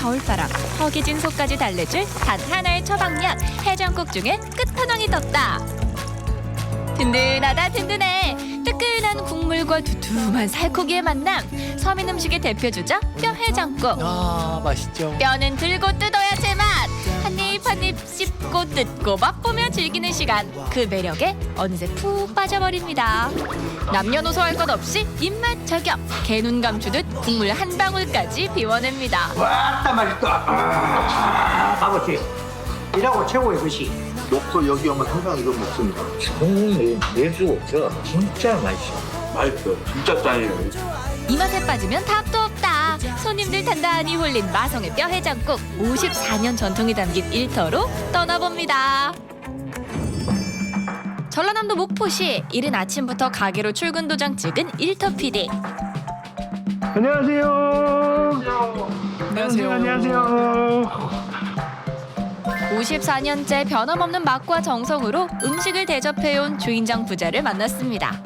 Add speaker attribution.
Speaker 1: 겨울바람, 허기진 속까지 달래줄 단 하나의 처방약 해장국 중에 끝판왕이 떴다. 든든하다 든든해. 뜨끈한 국물과 두툼한 살코기의 만남. 서민 음식의 대표 주자 뼈 해장국.
Speaker 2: 아, 맛있죠.
Speaker 1: 뼈는 들고 뜯어야 제맛. 한입 한입 씹고 뜯고 맛보며 즐기는 시간. 그 매력에 어느새 푹 빠져버립니다. 남녀노소 할 것 없이 입맛 저격. 개눈 감추듯 국물 한 방울까지 비워냅니다.
Speaker 3: 왔다 맛있다. 아버지 이라고 최고의 것이
Speaker 4: 먹고 여기 오면 항상 이거 먹습니다.
Speaker 5: 정말 내수 없어. 진짜 맛있어.
Speaker 4: 맛있어요. 진짜 짱이에요.
Speaker 1: 이 맛에 빠지면 답도 없다. 손님들 단단히 홀린 마성의 뼈 해장국 54년 전통이 담긴 일터로 떠나봅니다. 전라남도 목포시 이른 아침부터 가게로 출근 도장 찍은 일터 PD.
Speaker 3: 안녕하세요. 안녕하세요.
Speaker 1: 54년째 변함없는 맛과 정성으로 음식을 대접해온 주인장 부자를 만났습니다.